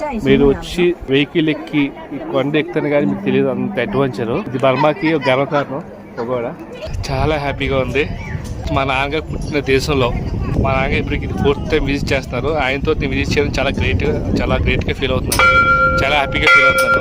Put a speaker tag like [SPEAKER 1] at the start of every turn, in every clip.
[SPEAKER 1] మీరు వచ్చి వెహికల్ ఎక్కి ఈ కొండ ఎక్కుతాను కానీ మీకు తెలియదు అంత అడ్వెంచర్. ఇది బర్మాకి ఒక గర్వకారణం కూడా. చాలా హ్యాపీగా ఉంది. మా నాన్నగారు పుట్టిన దేశంలో మా నాన్నగారు ఇప్పటికి ఇది 4th టైం విజిట్ చేస్తున్నారు. ఆయనతో నేను విజిట్ చేయడం చాలా గ్రేట్గా ఫీల్ అవుతున్నాను. చాలా హ్యాపీగా ఫీల్ అవుతున్నాను.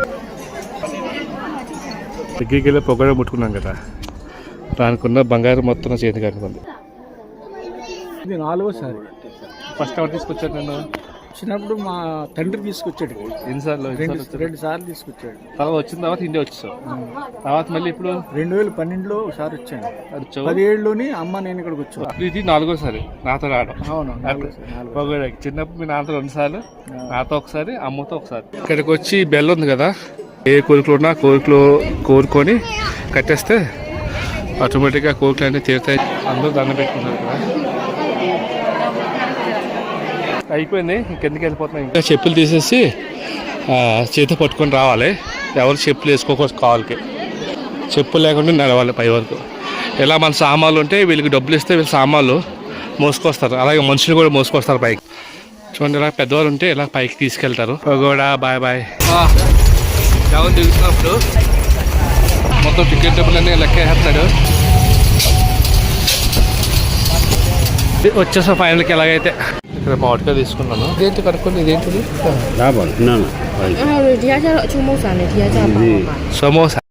[SPEAKER 1] దగ్గరికి వెళ్ళి పొగడ ముట్టుకున్నాం కదా, దానికున్న బంగారం మొత్తం నా చేతికి అనుకుంది.
[SPEAKER 2] ఇది 4వసారి.
[SPEAKER 1] ఫస్ట్ ఎవరు తీసుకొచ్చారు నన్ను?
[SPEAKER 2] చిన్నప్పుడు మా తండ్రి తీసుకొచ్చాడు.
[SPEAKER 1] ఎన్నిసార్లు?
[SPEAKER 2] 2 సార్లు తీసుకొచ్చాడు.
[SPEAKER 1] తర్వాత వచ్చిన తర్వాత ఇండియా వచ్చేసావు. తర్వాత మళ్ళీ ఇప్పుడు
[SPEAKER 2] 2012లో ఒకసారి వచ్చాను. 17లోని అమ్మ నేను ఇక్కడికి వచ్చాను.
[SPEAKER 1] ఇది 4వసారి నాతో రావడం.
[SPEAKER 2] అవును,
[SPEAKER 1] పొగడకి. చిన్నప్పుడు మీ నాన్నతో 2 సార్లు, నాతో ఒకసారి, అమ్మతో ఒకసారి. ఇక్కడికి వచ్చి బెల్ ఉంది కదా, ఏ కోరికలు ఉన్నా కోరుకొని కట్టేస్తే ఆటోమేటిక్గా కోరికలు అన్నీ తీరుతాయి. అందరూ దండం పెట్టుకున్నారు కదా. అయిపోయింది, ఇంకెందుకు వెళ్ళిపోతున్నాయి. ఇంకా చెప్పులు తీసేసి చేతి పట్టుకొని రావాలి. ఎవరు చెప్పులు వేసుకోకూడదు. కావాలకి చెప్పులు లేకుండా నడవాలి పై వరకు. ఇలా మన సామాన్లు ఉంటే వీళ్ళకి డబ్బులు ఇస్తే వీళ్ళు సామాన్లు మోసుకొస్తారు. అలాగే మనుషులు కూడా మోసుకొస్తారు పైకి. చూడండి, ఇలా పెద్దవాళ్ళు ఉంటే ఇలా పైకి తీసుకెళ్తారు. కూడా బాయ్ బాయ్. ఎవరు దిగుతున్నప్పుడు మొత్తం టికెట్ డబ్బులు అన్నీ లెక్క వేస్తాడు. వచ్చేసా ఫైనల్కి. ఎలాగైతే ఇక్కడ మామిడికాయ తీసుకున్నాను. ఇదేంటి కనుక్కోండి, ఇదేంటిది? సమోసా.